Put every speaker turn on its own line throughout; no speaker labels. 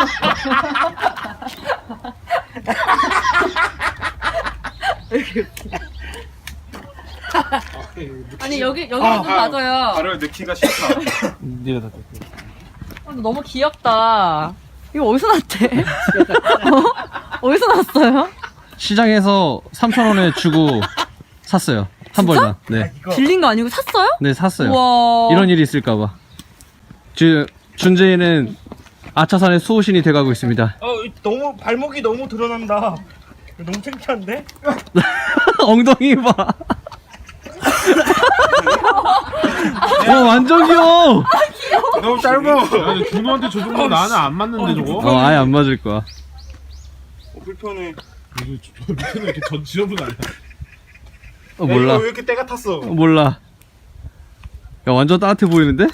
아니 여기 좀 맞아요.
발을 넣기가 싫다.
네가 다
너무 귀엽다. 이거 어디서 났대? 어디서 났어요?
시장에서 3,000원에 주고 샀어요. 한 벌당. 네.
빌린 거 아니고 샀어요?
네, 샀어요.
우와.
이런 일이 있을까봐. 지금 준재이는 아차산의 수호신이 돼가고 있습니다.
너무 발목이 너무 드러난다. 너무 창피한데?
엉덩이 봐. 완전 귀여워.
너무 짧아.
준호한테 저 정도 나는 안 맞는데 저거?
아예 안 맞을 거야.
불편해.
저 밑에는 이렇게 전 지저분 아니야?
몰라.
왜 이렇게 때가 탔어?
몰라. 야, 완전 따뜻해 보이는데?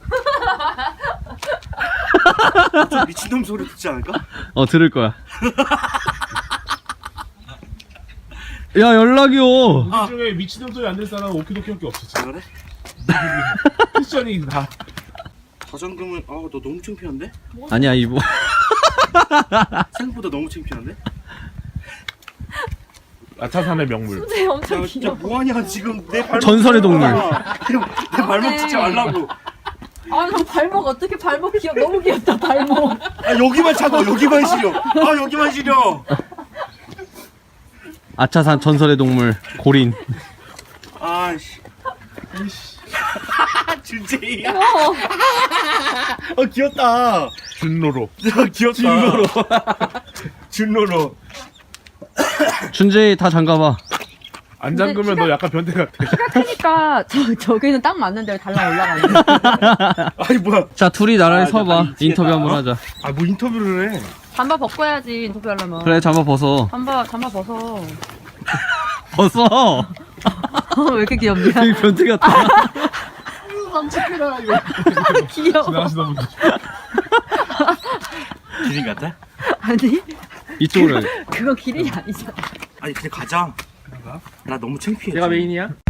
미친놈 소리 듣지 않을까?
들을 거야. 야, 연락이요.
우리 중에 미친놈 소리 안 낼 사람은 오키도키밖에 없어. 진짜.
그래?
패션이 다.
가장금은 너 너무 창피한데?
아니야, 이거.
생각보다 너무 창피한데?
아차산의 명물.
근데 엄청
야, 진짜
귀여워.
뭐하냐 지금 내 발목
전설의 동물.
내 발목 찍지 말라고.
아, 저 발목 어떻게 발목 너무 귀엽다 발목.
여기만 차고 여기만 시려. 여기만 시려.
아차산 전설의 동물 고린.
아씨. 준재이야. 귀엽다.
준로로.
귀엽다. 준로로. 준로로.
준재이 다 잠가봐.
안 잠그면 너 약간 변태 같아.
크니까 저기는 딱 맞는데 달랑 올라가네.
아니 뭐야?
자, 둘이 나란히 서봐.
나 미치겠다.
인터뷰 한번 하자.
뭐 인터뷰를 해?
잠바 벗고 해야지 인터뷰하려면.
그래, 잠바 벗어.
잠바 벗어.
벗어.
왜 이렇게 귀엽냐?
되게 변태 같아.
귀여워.
지나가시던 분들.
기린 같아?
아니
이쪽으로 해.
그거 기린이 아니잖아.
아니 그냥 가자. 나 너무 창피해.
내가 메인이야?